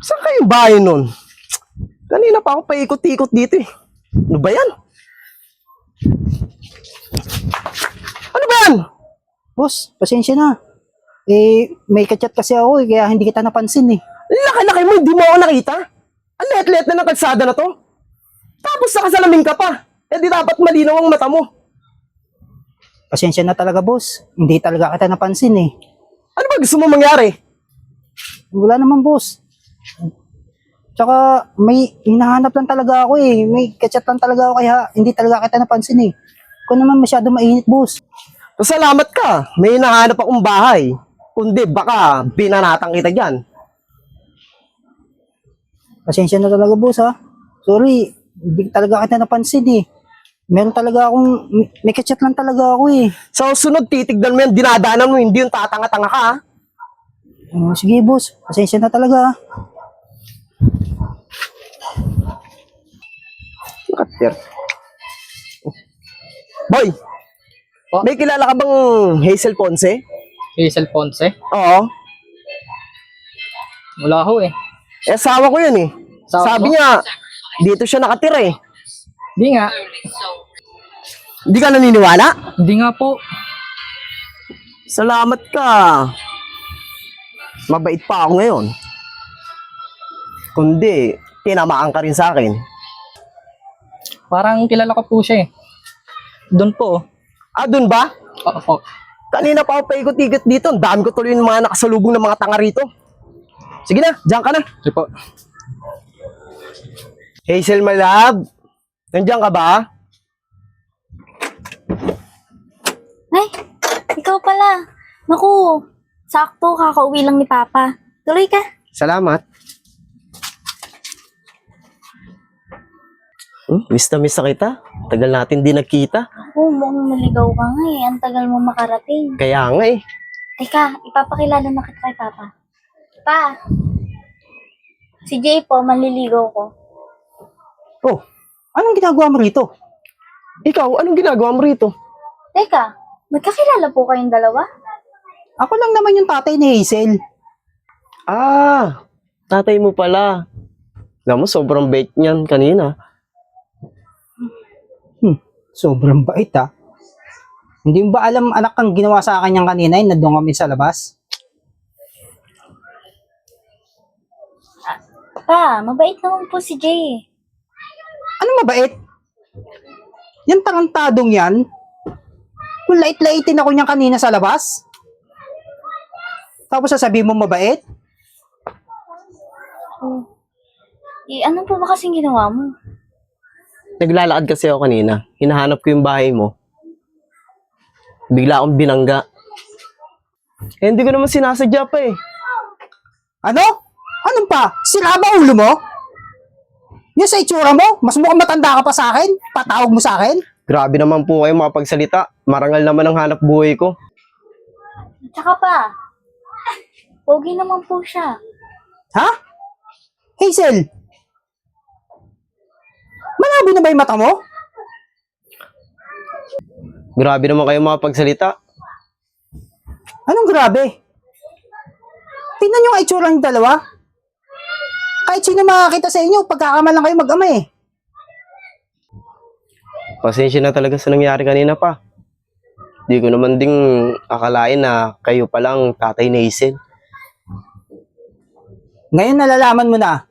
Saan kayong bahay nun? Kanina pa ako paikot-ikot dito eh. Ano ba yan? Ano ba yan? Boss, pasensya na. May kachat kasi ako kaya hindi kita napansin eh. Laki-laki mo, hindi mo ako nakita. Ang let-let na ng kalsada na to. Tapos nakasalamin ka pa. Di dapat malinaw ang mata mo. Pasensya na talaga, boss. Hindi talaga kita napansin eh. Ano ba gusto mo mangyari? Wala naman, boss. Tsaka may hinahanap lang talaga ako eh. May kachat lang talaga ako kaya hindi talaga kita napansin eh. Kung naman masyado mainit, boss. Salamat ka. May hinahanap akong bahay. Kundi baka binanatang kita dyan. Pasensya na talaga, boss ha. Sorry, hindi talaga kita napansin eh. Meron talaga akong, may kachat lang talaga ako eh. Sa susunod, titignan mo yan, dinadaanan mo, hindi yung tatanga-tanga ka ha. Sige, boss. Pasensya na talaga ha. Kater. Boy, Po? may kilala ka bang Hazel Ponce? Hazel Ponce? Oo. Wala ho eh. Asawa ko yun eh. Asawa Sabi mo? niya, dito siya nakatira eh. Hindi nga. Hindi ka naniniwala? Hindi nga po. Salamat ka. Mabait pa ako ngayon. Kundi, tinamaan ka rin sa akin. Parang kilala ko po siya eh. Doon po. Ah, dun ba? Oo po. Kanina pa ako paikot-ikot dito. Ang dami ko tuloy yung mga nakasalubong ng mga tanga rito. Sige na, diyan ka na. Sige po. Hazel, my love. Nandiyan ka ba? Ay, ikaw pala. Naku, sakto, kakauwi lang ni Papa. Tuloy ka. Salamat. Miss na miss na kita. Tagal natin di nagkita. Ako, mukhang maligaw ka nga eh. Ang tagal mo makarating. Kaya nga eh. Teka, ipapakilala na kita kay Papa. Pa, si Jay po, manliligaw ko. Oh, anong ginagawa mo rito? Ikaw, anong ginagawa mo rito? Teka, magkakilala po kayong dalawa? Ako lang naman yung tatay ni Hazel. Ah, tatay mo pala. Alam mo, sobrang bait niyan kanina. Sobrang bait ha. Hindi mo ba alam anak kang ginawa sa akin yung kanina yung nandun kami sa labas? Pa, mabait naman po si Jay. Anong mabait? Yan tarantadong yan? Kung lait-laitin ako niyan kanina sa labas? Tapos sasabihin mo mabait? Oh. Ano po ba kasing ginawa mo? Naglalakad kasi ako kanina. Hinahanap ko yung bahay mo. Bigla akong binangga. Hindi ko naman sinasadya pa eh. Ano? Anong pa? Sira ba ulo mo? Yan sa itsura mo? Mas mukhang matanda ka pa sa akin? Patawag mo sa akin? Grabe naman po kayo makapagsalita. Marangal naman ang hanap buhay ko. Tsaka pa, pogi naman po siya. Ha? Hazel? Malabo na ba yung mata mo? Grabe naman kayo makapagsalita. Anong grabe? Tingnan nyo nga itsura ng dalawa. Kahit sino makakita sa inyo, pagkakamalang kayo mag-ama eh. Pasensya na talaga sa nangyari kanina pa. Di ko naman ding akalain na kayo palang tatay ni Hazel. Ngayon nalalaman mo na.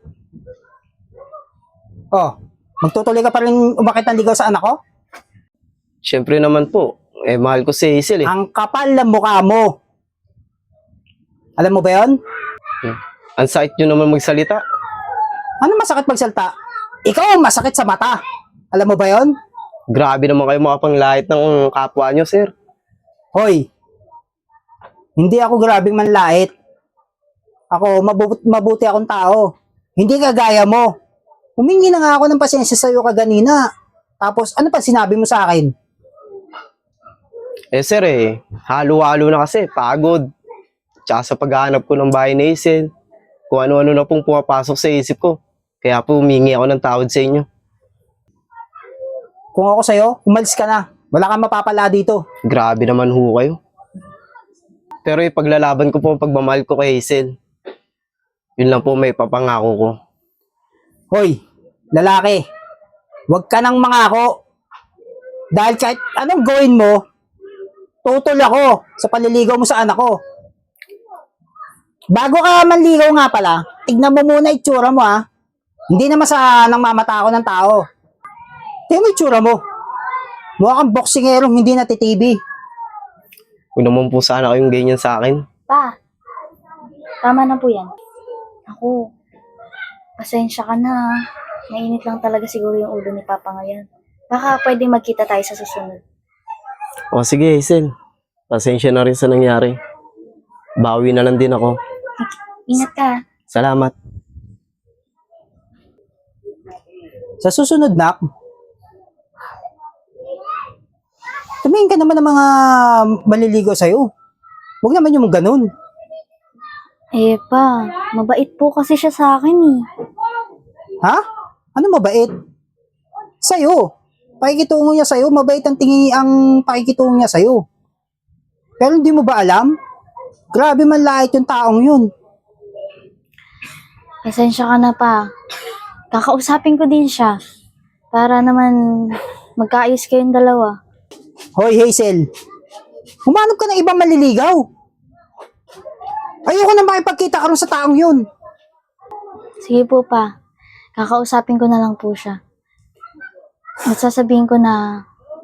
Oh, magtutuloy ka pa rin umakit ng ligaw sa anak ko? Siyempre naman po, mahal ko si Hazel eh. Ang kapal ng mukha mo. Alam mo ba yun? Ang sakit nyo naman magsalita. Ano masakit magsalta? Ikaw ang masakit sa mata. Alam mo ba yun? Grabe naman kayo makapanglait ng kapwa nyo, sir. Hoy, hindi ako grabing manlait. Ako, mabuti akong tao. Hindi kagaya mo. Humingi na nga ako ng pasensya sa'yo kaganina. Tapos, ano pa sinabi mo sa akin? Sir halo-halo na kasi, pagod. Tsaka sa paghahanap ko ng bahay ni Hazel, kung ano-ano na pong pumapasok sa isip ko. Kaya po humingi ako ng tawad sa inyo. Kung ako sa'yo, umalis ka na. Wala kang mapapala dito. Grabe naman ho kayo. Pero ipaglalaban ko po ang pagmamahal ko kay Hazel. Yun lang po may papangako ko. Hoy, lalaki, huwag ka nang mangako. Dahil kahit anong gawin mo, tutol ako sa panliligaw mo sa anak ko. Bago ka manligaw nga pala, tignan mo muna itsura mo ha. Hindi naman sa nang mamata ako ng tao. Tingnan mo itsura mo. Mukha kang boksingerong hindi natitibi. Huwag naman po sana kayong ganyan sa akin. Pa, tama na po yan. Ako, pasensya ka na. Mainit lang talaga siguro yung ulo ni Papa ngayon. Baka pwede magkita tayo sa susunod. O sige, Hazel. Pasensya na rin sa nangyari. Bawi na lang din ako. Ingat ka. Salamat. Sa susunod na, tumingin ka naman ng mga maliligaw sa'yo. Huwag naman yung ganun. Eh pa, mabait po kasi siya sa akin eh. Ha? Ano mabait? Sa'yo. Pakikitungo niya sa'yo. Mabait ang pakikitungo niya sa'yo. Pero hindi mo ba alam? Grabe man lait yung taong yun. Pasensya ka na pa. Kakausapin ko din siya. Para naman magkaayos kayong dalawa. Hoy Hazel, humanap ka ng ibang maliligaw. Ayoko na makipagkita ka rin sa taong yun. Sige po pa. Kakausapin ko na lang po siya. At sasabihin ko na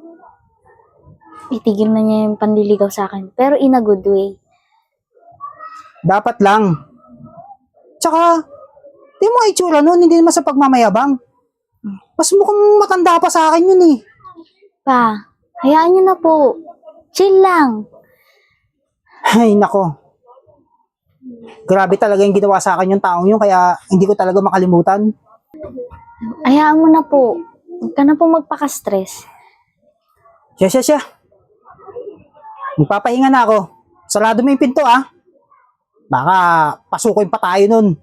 itigil na niya yung panliligaw sa akin. Pero in a good way. Dapat lang. Tsaka, di mo itsura nun, hindi naman sa pagmamayabang. Mas mukhang matanda pa sa akin yun eh. Pa, hayaan niyo na po. Chill lang. Ay, nako. Grabe talaga yung ginawa sa akin yung taong yun, kaya hindi ko talaga makalimutan. Hayaan mo na po. Huwag ka na po magpaka-stress. Siya. Magpapahinga na ako. Sarado mo yung pinto ah. Baka pasukin pa tayo nun.